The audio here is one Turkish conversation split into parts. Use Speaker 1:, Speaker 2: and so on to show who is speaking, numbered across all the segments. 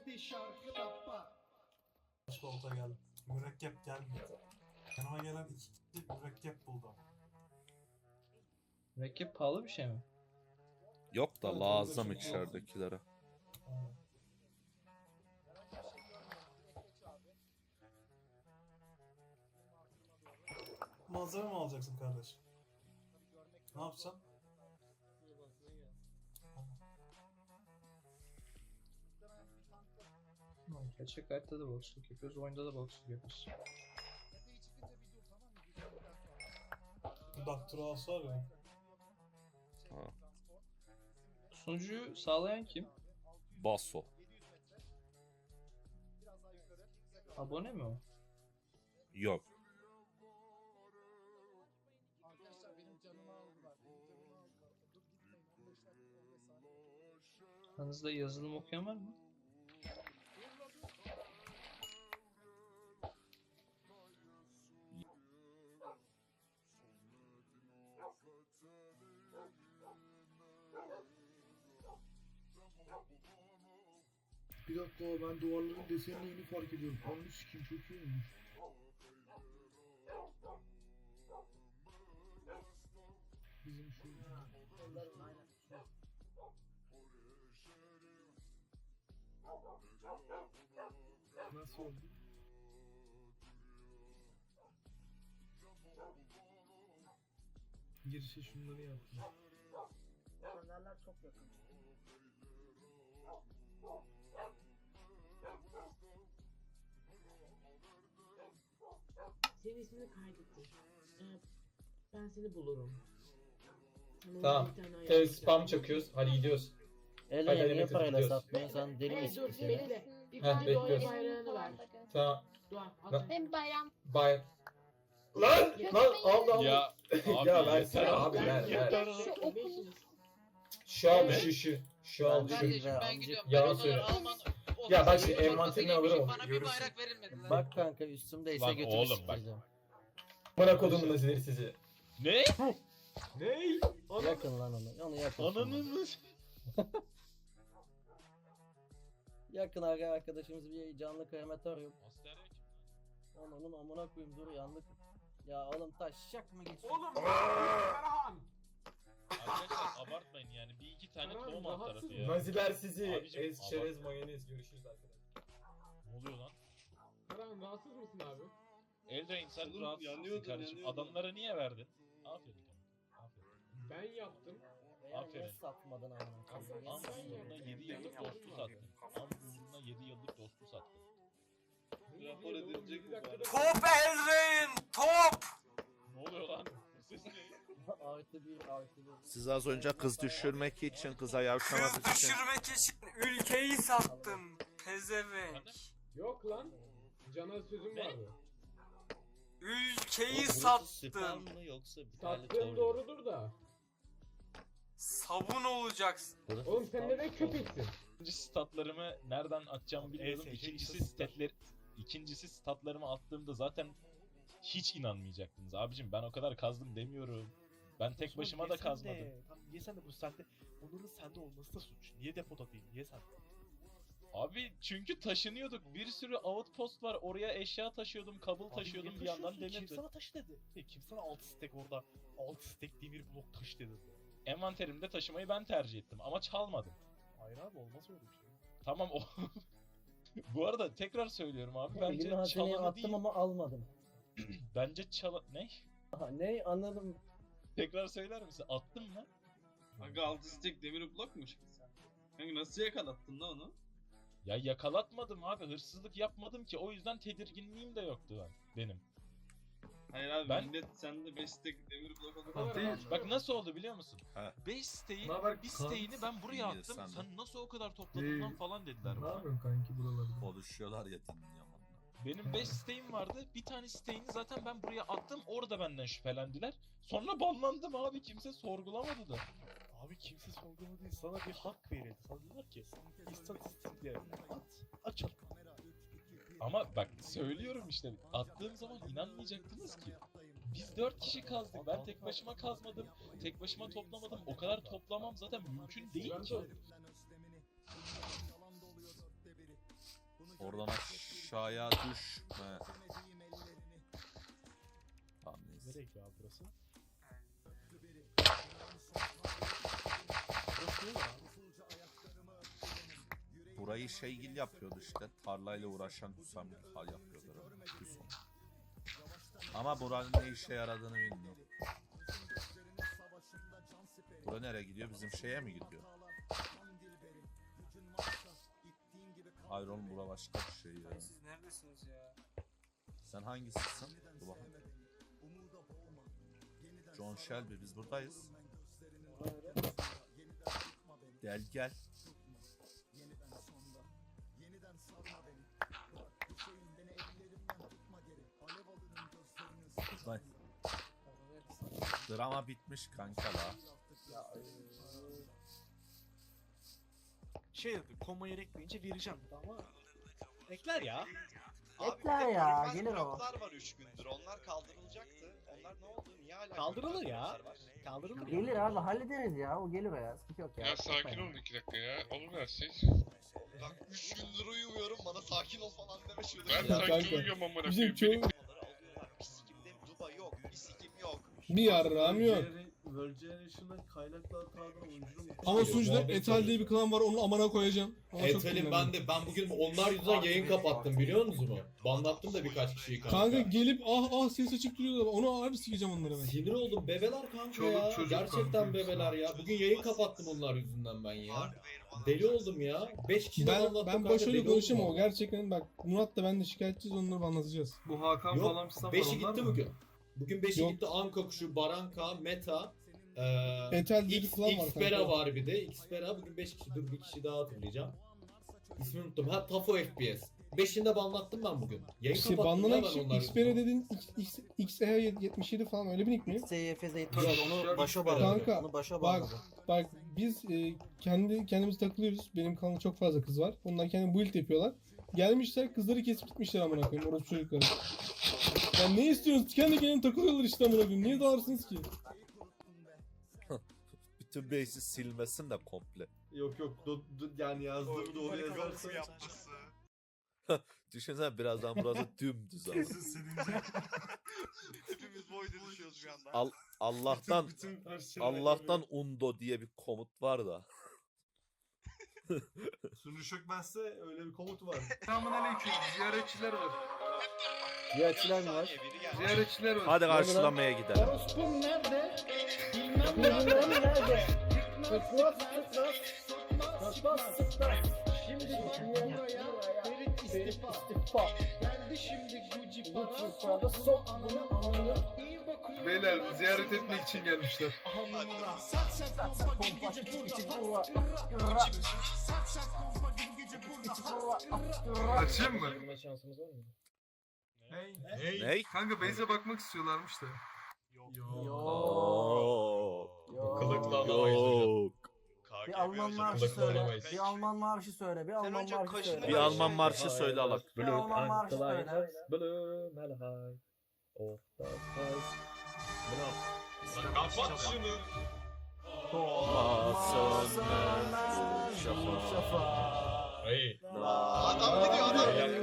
Speaker 1: Volta geldi. Mürekkep gelmedi. Yanıma gelen iki kişi mürekkep buldu.
Speaker 2: Mürekkep pahalı bir şey mi?
Speaker 3: Yok da
Speaker 1: Evet,
Speaker 3: lazım
Speaker 1: orada çok
Speaker 3: içeridekilere.
Speaker 1: Malzeme mi alacaksın kardeş? Ne yapacaksın?
Speaker 2: Gerçek hayatta da balıkçılık yapıyoruz, oyunda da balıkçılık yapıyoruz.
Speaker 1: Daktilos var ya.
Speaker 3: Ha.
Speaker 2: Sunucuyu sağlayan kim?
Speaker 3: Basso.
Speaker 2: Abone mi o?
Speaker 3: Yok.
Speaker 2: Aranızda yazılım okuyan var mı?
Speaker 4: Bir dakika, ben duvarların desenini yeni fark ediyorum. Anlı sikim, çok iyi olmuş. Bizim şu... Nasıl oldu? Girişe şunları yaptım.
Speaker 5: Fenerler çok yakın. Senin ismini kaydettim. Ben seni bulurum. Sana
Speaker 2: Tamam.
Speaker 5: bir tane ayar
Speaker 2: Evet,
Speaker 5: yapacağım.
Speaker 2: spam çakıyoruz. Hadi gidiyoruz. Hadi,
Speaker 6: Ele niye
Speaker 2: Metin,
Speaker 6: parayla
Speaker 2: gidiyoruz.
Speaker 6: satmıyorsun? Sen deli
Speaker 5: Hey
Speaker 6: misin
Speaker 5: dur
Speaker 6: sen?
Speaker 5: bekle. İlk
Speaker 2: Heh,
Speaker 5: önce doğaya
Speaker 2: bekliyoruz.
Speaker 5: bayrağını ver.
Speaker 2: Tamam.
Speaker 5: Doğa al.
Speaker 2: Lan.
Speaker 7: Hem bayram.
Speaker 2: Bye. Lan! Lan aldı aldı.
Speaker 8: Ya abi
Speaker 2: Ya versene
Speaker 8: yeter
Speaker 2: abi, ver, ver.
Speaker 7: Şu okul.
Speaker 2: Şu al şu. Şu al şu.
Speaker 6: Kardeşim,
Speaker 9: Kardeşim ben
Speaker 6: amcık.
Speaker 9: gidiyorum.
Speaker 2: Yalan
Speaker 9: Ben onları
Speaker 2: söyle.
Speaker 9: Alman
Speaker 2: Ya ben
Speaker 9: ofisi
Speaker 2: şu
Speaker 9: çorbası
Speaker 2: envanterini
Speaker 9: giymişim,
Speaker 2: alırım.
Speaker 9: Bana bir
Speaker 1: Görürsün.
Speaker 9: bayrak verilmedi.
Speaker 6: Bak kanka üstümdeyse
Speaker 8: Lan
Speaker 6: götürü
Speaker 8: oğlum bak.
Speaker 6: sikeceğim.
Speaker 2: Bana kodumun nazileri sizi.
Speaker 8: Ne?
Speaker 1: Ney?
Speaker 6: Yakın lan onu. Onu yakın.
Speaker 8: Ananı
Speaker 6: Yakın arkadaşımız bir canlı krematorium.
Speaker 8: Asker ya kim?
Speaker 6: Onun amına koyayım, dur yandık. Ya oğlum taşacak mı geçiyor?
Speaker 10: Oğlum Ferhan!
Speaker 8: Arkadaşlar abartmayın yani bir iki tane
Speaker 10: Tamam,
Speaker 8: tohum alt
Speaker 10: rahatsız
Speaker 8: tarafı ya.
Speaker 2: Naziler sizi.
Speaker 8: Abicim,
Speaker 2: Ez, çerez,
Speaker 8: abartma.
Speaker 2: mayonez. Görüşürüz arkadaşlar.
Speaker 8: Ne oluyor lan?
Speaker 10: Ferhan rahatsız mısın abi?
Speaker 8: Eldrain sen
Speaker 10: Oğlum,
Speaker 8: rahatsızsın
Speaker 10: yanıyordun,
Speaker 8: kardeşim.
Speaker 10: yanıyordun.
Speaker 8: Adamlara niye verdin? Aferin kanka. Aferin.
Speaker 10: Ben yaptım.
Speaker 6: Veya
Speaker 8: Aferin.
Speaker 6: niye satmadın amına koyayım?
Speaker 8: Am
Speaker 10: Sen
Speaker 8: uğruna
Speaker 10: yaptın.
Speaker 8: 7 yıllık
Speaker 10: Benim
Speaker 8: dostu
Speaker 10: yaptım
Speaker 8: sattın. Am uğruna 7 yıllık dostu sattın.
Speaker 10: Rapor edilecek bu bari.
Speaker 1: Top Eldrain! Top!
Speaker 8: Ne oluyor lan? Bu ses ne?
Speaker 6: Artı bir artı bir.
Speaker 3: Siz az önce kız düşürmek için, kıza yavşamak için.
Speaker 1: için ülkeyi sattın. Pezevenk.
Speaker 8: Efendim?
Speaker 10: Yok lan. Cana sözüm
Speaker 8: Ne?
Speaker 10: vardı.
Speaker 1: Ülkeyi
Speaker 8: Spam mı yoksa bir
Speaker 10: Sattığın doğrudur da.
Speaker 1: Sabun olacaksın.
Speaker 10: Oğlum sen neden köpeksin?
Speaker 8: İkinci statlarımı nereden atacağımı bilmiyordum. İkincisi statlarımı attığımda zaten hiç inanmayacaktınız. Abicim ben o kadar kazdım demiyorum. Ben tek başıma da kazmadım.
Speaker 11: Tamam yesen de bu sende. Bunların sende olması da suç. Niye depoda değil? Niye sen?
Speaker 8: Abi çünkü taşınıyorduk. Bir sürü outpost var. Oraya eşya taşıyordum, kabul taşıyordum bir yandan
Speaker 11: Kim
Speaker 8: demirdi.
Speaker 11: sana taşı dedi? Kim sana 6 stack orada 6 stack demir blok taş dedi?
Speaker 8: Envanterimde taşımayı ben tercih ettim ama çalmadım.
Speaker 11: Hayır abi olmaz öyle bir şey.
Speaker 8: Tamam o. Bu arada tekrar söylüyorum abi.
Speaker 6: Elime
Speaker 8: Bence
Speaker 6: hazineyi
Speaker 8: çalanı
Speaker 6: attım
Speaker 8: değil.
Speaker 6: ama almadım.
Speaker 8: Bence Ne?
Speaker 6: Aha, ne anladım.
Speaker 8: Tekrar söyler misin? Attım mı?
Speaker 9: Aga 6 stack demir blok mu çıktı sen? Kanka nasıl yakalattın lan onu?
Speaker 8: Ya yakalatmadım abi. Hırsızlık yapmadım ki. O yüzden tedirginliğim de yoktu benim.
Speaker 9: Hayır abi
Speaker 8: Ben-
Speaker 9: millet sende 5 stack demir blok
Speaker 10: Bu
Speaker 9: alıp
Speaker 10: kadar rahat.
Speaker 8: Bak nasıl oldu biliyor musun?
Speaker 3: Ha.
Speaker 8: 5 siteğin
Speaker 4: Ne haber
Speaker 8: bir
Speaker 4: kanka?
Speaker 8: siteğini ben buraya
Speaker 3: İyi,
Speaker 8: attım.
Speaker 3: sen de.
Speaker 8: Sen nasıl o kadar topladın lan
Speaker 4: İyi.
Speaker 8: falan dediler
Speaker 4: Ne
Speaker 8: bana.
Speaker 4: yapıyorsun kanki buralarda?
Speaker 3: Konuşuyorlar ya dinliyorum.
Speaker 8: Benim 5 siteğim vardı. Bir tane siteğini zaten ben buraya attım. Orada benden şüphelendiler. Sonra banlandım abi. Kimse sorgulamadı da.
Speaker 11: Abi kimse sorgulamadı değil. Sana bir hak verildi. Sana dediler ki istatistikle açalım.
Speaker 8: Ama bak söylüyorum işte. Attığım zaman inanmayacaktınız ki. Biz 4 kişi kazdık. Ben tek başıma kazmadım. Tek başıma toplamadım. O kadar toplamam zaten mümkün değil ki.
Speaker 3: Oradan aşağıya düşme. Tamam neyse.
Speaker 11: Nereye gidiyor abi burası?
Speaker 3: Burayı şeygil yapıyordu işte. Tarlayla uğraşan Hüsam hal yapıyordu. Hüsam. Ama buranın ne işe yaradığını bilmiyorum. Bura nereye gidiyor? Bizim şeye mi gidiyor? Hayır oğlum bura başka bir şey ya.
Speaker 6: Siz neredesiniz ya?
Speaker 3: Sen hangisisin? Dur bakayım. John Shelby biz buradayız. Gel gel. Buradayız. Drama bitmiş kanka la.
Speaker 11: Şey dedi, komayı ekleyince vereceğim dedi ama ekler ya.
Speaker 5: Ekler ya, gelir o.
Speaker 7: var 3 gündür. Onlar kaldırılacaktı. Onlar ne oldu? Niye hala
Speaker 11: Kaldırılır ya. Kaldırılır.
Speaker 5: Gelir abi, hallederiz ya. O gelir o ya. Sıkıntı yok ya.
Speaker 9: Ya sakin olun 2 dakika ya. Olur her şey.
Speaker 7: Bak 3 gündür uyumuyorum. Bana sakin ol falan deme şurada.
Speaker 9: Ben
Speaker 7: Ya.
Speaker 9: sakin uyuyorum amına
Speaker 12: Bizim
Speaker 9: koyayım.
Speaker 12: çoğu
Speaker 7: Bir sikimde Duba yok. Bir sikim yok.
Speaker 12: bir yarrağım yok.
Speaker 4: World Generation'dan kaynaklı hatadan oyuncu mu?
Speaker 12: Ama sunucuda Etal diye bir klan var, onu amana koyacağım. Ama çok
Speaker 13: Etal'in
Speaker 12: kullanıyorum.
Speaker 13: ben bugün onlar yüzünden yayın kapattım biliyor musunuz? Banlattım da birkaç kişiyi kanka.
Speaker 12: Kanka gelip ah ses açıp duruyorlar. Onu harbi sikeceğim onları ben.
Speaker 13: Sinir oldum bebeler kanka
Speaker 4: Çoluk
Speaker 13: ya.
Speaker 4: çocuk
Speaker 13: Gerçekten
Speaker 4: kanka.
Speaker 13: bebeler ya. Bugün yayın kapattım onlar yüzünden ben ya. Deli oldum ya. 5 kişi
Speaker 12: Ben başarılı konuşamam o gerçekten bak Murat da ben de şikayetçiyiz onları anlatacağız.
Speaker 4: Bu Hakan
Speaker 13: Yok,
Speaker 4: falan fistan
Speaker 13: 5'i
Speaker 4: var, onlar
Speaker 13: gitti
Speaker 4: mı?
Speaker 13: bugün. Bugün 5'i
Speaker 12: Yok.
Speaker 13: gitti Anka Kuşu, Baranka, Meta,
Speaker 12: Etal diye bir klan var
Speaker 13: Xpera
Speaker 12: kanka.
Speaker 13: var bir de. Xpera bugün 5 kişi. Dur bir kişi daha hatırlayacağım. İsmini unuttum. Ha Tafo FPS. 5'ini de banlattım ben bugün. Yayın
Speaker 12: İşte
Speaker 13: kapattım
Speaker 12: banlanan
Speaker 13: ya ben
Speaker 12: kişi
Speaker 13: onlar
Speaker 12: Xpera
Speaker 13: yüzünden.
Speaker 12: dedin XE77 falan öyle bir nick mi?
Speaker 6: SYFZ
Speaker 4: onu başa
Speaker 12: Kanka,
Speaker 6: Onu başa
Speaker 12: bak biz kendimiz takılıyoruz. Benim kanalda çok fazla kız var. Onlar kendi build yapıyorlar. Gelmişler kızları kesip gitmişler amına koyayım orası çocukları. Ya ne istiyorsunuz? Kendi kendine takılıyorlar işte amına koyayım. Niye dağırsınız ki?
Speaker 3: Bütün base'i silmesin de komple.
Speaker 4: Yok yani yazdığımı doğru yazarsan.
Speaker 3: Düşünsene birazdan burası dümdüz ama.
Speaker 1: Kesin silince.
Speaker 7: Hepimiz boyda düşüyoruz şu anda.
Speaker 3: Allah'tan undo diye bir komut var da.
Speaker 4: Sunu çökmezse öyle bir komut var.
Speaker 6: Selamünaleyküm. Ziyaretçiler var.
Speaker 7: Ziyaretçiler mi var?
Speaker 6: Ziyaretçiler var.
Speaker 3: Hadi karşılamaya gidelim.
Speaker 6: Orospum nerede? Bilmem nerede? Tıklas tıklas. Tıklas tıklas. Şimdi buraya Ferit istifa. Geldi şimdi Gucci para sok bunu anını.
Speaker 4: Beyler ziyaret etmek için gelmişler. Açayım mı?
Speaker 3: Ney?
Speaker 4: Kanka base'e bakmak istiyorlarmış da.
Speaker 3: Yok.
Speaker 5: Bir Alman marşı söyle. Bir Alman marşı söyle. Bir Alman marşı söyle.
Speaker 3: Bir Alman marşı söyle alak.
Speaker 5: Bir Alman marşı söyle.
Speaker 9: Kapat şunu.
Speaker 7: Adam gidiyor adam.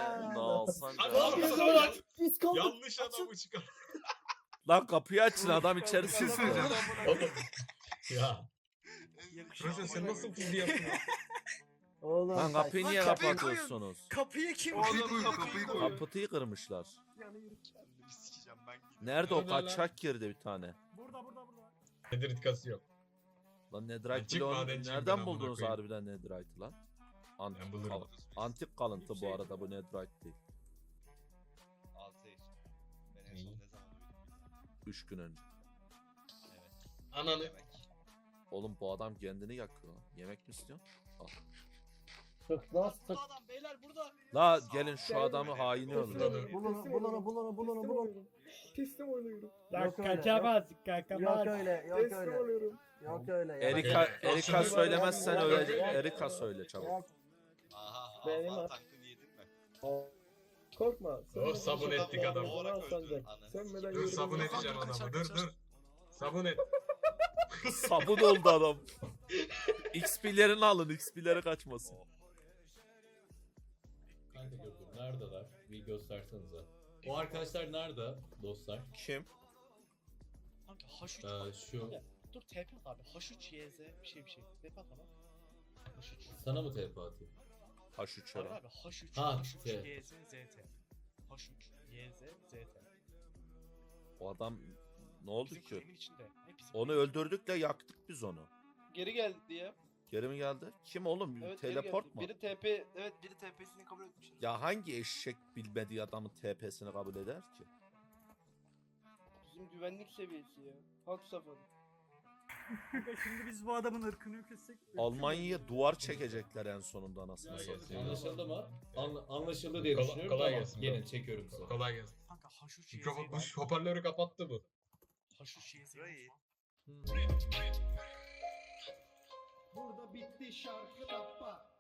Speaker 9: Yanlış adamı çıkar.
Speaker 3: Lan kapıyı açın adam içeri
Speaker 4: Bir şey
Speaker 3: sızdı.
Speaker 4: söyleyeceğim.
Speaker 11: Ya.
Speaker 4: Roşen sen nasıl fuzli yaptın?
Speaker 5: Oğlum.
Speaker 3: Lan kapıyı niye kapatıyorsunuz?
Speaker 7: Kapıyı kim
Speaker 4: Kapıyı koy.
Speaker 3: Kapıyı kırmışlar.
Speaker 7: Bir sikeceğim ben.
Speaker 3: Nerede o kaçak girdi bir tane.
Speaker 11: Nediritkası yok.
Speaker 3: Lan Netherite
Speaker 11: Çık
Speaker 3: bloğunu
Speaker 11: madenciyim ben,
Speaker 3: nereden
Speaker 11: amına
Speaker 3: buldunuz
Speaker 11: koyayım.
Speaker 3: harbiden Netherite'ı lan?
Speaker 11: Ben bulurum.
Speaker 3: Antik kalıntı bu arada bu Netherite değil.
Speaker 7: Altair. Ben en son ne zaman uyudum?
Speaker 3: 3 gün önce.
Speaker 11: Ananı.
Speaker 7: Demek.
Speaker 3: Oğlum bu adam kendini yakıyor. Yemek mi istiyorsun?
Speaker 5: Tıklas tık.
Speaker 7: Adam beyler burada.
Speaker 3: La gelin şu adamı haini öldürelim.
Speaker 5: Bulunu.
Speaker 10: Teslim oluyorum.
Speaker 5: Yok öyle. Yok öyle. Yok
Speaker 10: Teslim
Speaker 5: öyle.
Speaker 10: oluyorum.
Speaker 5: Yok öyle.
Speaker 3: Erika söylemezsen öyle. Erika söyle çabuk.
Speaker 7: Aha.
Speaker 5: Benim
Speaker 7: Alman
Speaker 5: at.
Speaker 7: tankını yedin mi?
Speaker 10: Korkma.
Speaker 11: Oh, sabun ettik adamı.
Speaker 7: Doğrak öldü.
Speaker 10: Sönmeden
Speaker 11: Dur
Speaker 10: yürü.
Speaker 11: sabun edeceğim adamı. Dur. Sabun et.
Speaker 3: Sabun oldu adam. XP'lerini alın. XP'leri kaçmasın.
Speaker 13: Kanka dur. Neredeler? Bir göstersenize. O arkadaşlar nerede dostlar?
Speaker 3: Kim?
Speaker 11: Kanka H3
Speaker 13: Şu.
Speaker 11: Dur TP abi. H3YZ bir şey. TP at bana. H3.
Speaker 13: Sana mı TP atayım?
Speaker 3: H3
Speaker 11: Abi
Speaker 3: ara.
Speaker 11: abi H3.
Speaker 13: Ha,
Speaker 11: H3YZ ZT. H3YZ ZT.
Speaker 3: O adam ne oldu
Speaker 11: Bizim
Speaker 3: ki?
Speaker 11: kulenin içinde. Ne bizim
Speaker 3: Onu öldürdük de yaktık biz onu.
Speaker 6: Geri geldi ya.
Speaker 3: Geri mi geldi? Kim oğlum?
Speaker 6: Evet, geri
Speaker 3: Teleport
Speaker 6: geldi.
Speaker 3: mu?
Speaker 6: Biri TP, evet biri TP'sini kabul etmiş.
Speaker 3: Ya hangi eşek bilmediği adamın TP'sini kabul eder ki?
Speaker 6: Bizim güvenlik seviyesi ya. Halk safari.
Speaker 5: Şimdi biz bu adamın ırkını yok etsek.
Speaker 3: Almanya'ya duvar çekecekler en sonunda anasını satayım.
Speaker 13: Anlaşıldı mı? Anlaşıldı diye düşünüyorum.
Speaker 9: kolay
Speaker 13: Tamam,
Speaker 9: gelsin.
Speaker 13: gelin çekiyorum size.
Speaker 9: Kolay gelsin.
Speaker 11: Kanka H3YZ.
Speaker 9: Mikrofon hoparlörü kapattı bu.
Speaker 11: H3YZ.
Speaker 4: Burada bitti şarkı tappa.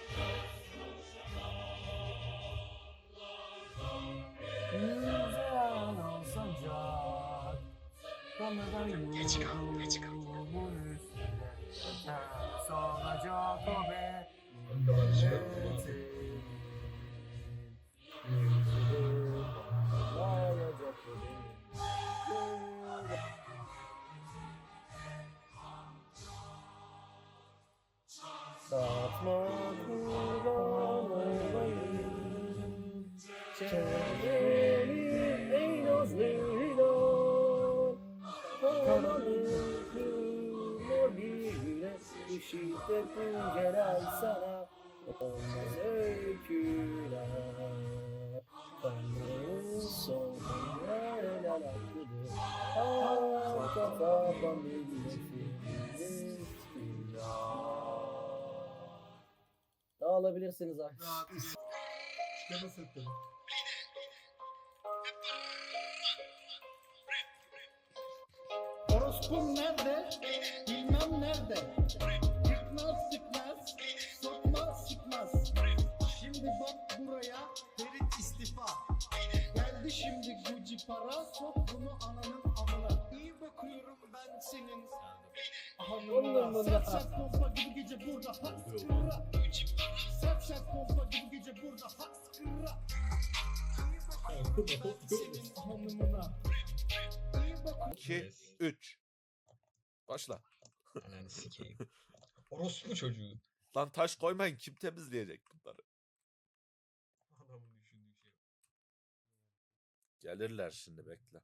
Speaker 5: Güzel sancak. Geç kal. Solacak o be. Satma kurban olayım. Çevreni ey nazlıyla. Kanadını kırma bile. Bu şiddetin gelen sana. Olmaz öyküler. Tanrı'nın sonu el alakıdır. Arka kapan bilmesiniz Dağılabilirsiniz artık.
Speaker 4: Çıkarma setleri.
Speaker 5: Orospum nerede? Bilmem nerede. Yıkmaz sıkmaz, sokma sıkmaz. Şimdi bak buraya, Ferit istifa. Geldi şimdi Gucci para, sok bunu ananın amına. İyi bakıyorum ben senin hanımına. Sert sert pompa gibi gece burada, hak sıkıra. Sert sert pompa gibi gece burada, hak sıkıra. İyi bakıyorum ben senin hanımına.
Speaker 3: 2, 3. Başla.
Speaker 9: Ananı sikeyim. Orospu çocuğu.
Speaker 3: Lan taş koymayın, kim temizleyecek bunları?
Speaker 1: Adamın düşündüğü şey.
Speaker 3: Gelirler şimdi, bekle.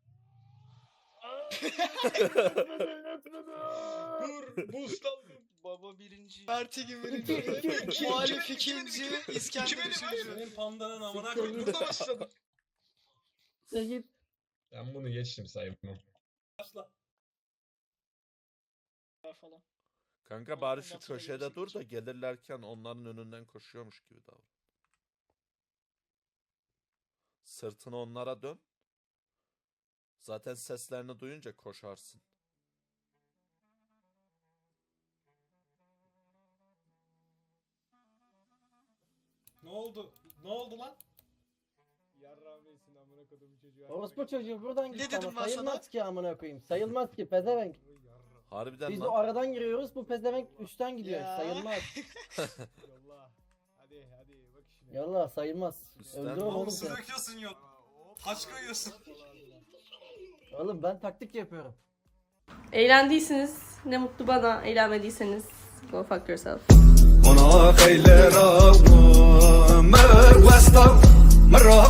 Speaker 9: Dur, boostlandım.
Speaker 6: Baba birinci.
Speaker 9: Parti gibi birinci.
Speaker 6: Muhalif ikinci. İskender üçüncü.
Speaker 1: Senin pandanın amına
Speaker 9: Burada başladım.
Speaker 5: Sen git.
Speaker 9: Ben bunu geçtim sayımı.
Speaker 6: Falan.
Speaker 3: Kanka bari şu köşede dur da gelirlerken onların önünden koşuyormuş gibi davran. Sırtını onlara dön. Zaten seslerini duyunca koşarsın.
Speaker 1: Ne oldu? Ne oldu lan?
Speaker 6: Orospu çocuğu buradan git
Speaker 11: dedim
Speaker 6: ama
Speaker 11: ben
Speaker 6: sayılmaz
Speaker 11: sana?
Speaker 6: ki amına koyayım. Sayılmaz ki pezevenk.
Speaker 3: Harbiden
Speaker 6: Biz
Speaker 3: lan.
Speaker 6: o aradan giriyoruz bu pezevenk üstten gidiyor.
Speaker 11: Ya.
Speaker 6: Sayılmaz.
Speaker 10: Hadi bak işine.
Speaker 6: Yallah sayılmaz.
Speaker 3: Üstten
Speaker 6: Öldürürüm
Speaker 3: mi?
Speaker 6: oğlum
Speaker 1: Su
Speaker 6: seni.
Speaker 1: döküyorsun yok. Taş koyuyorsun.
Speaker 6: Oğlum ben taktik yapıyorum.
Speaker 14: Eğlendiyseniz ne mutlu bana, eğlenmediyseniz go fuck yourself.
Speaker 5: Ona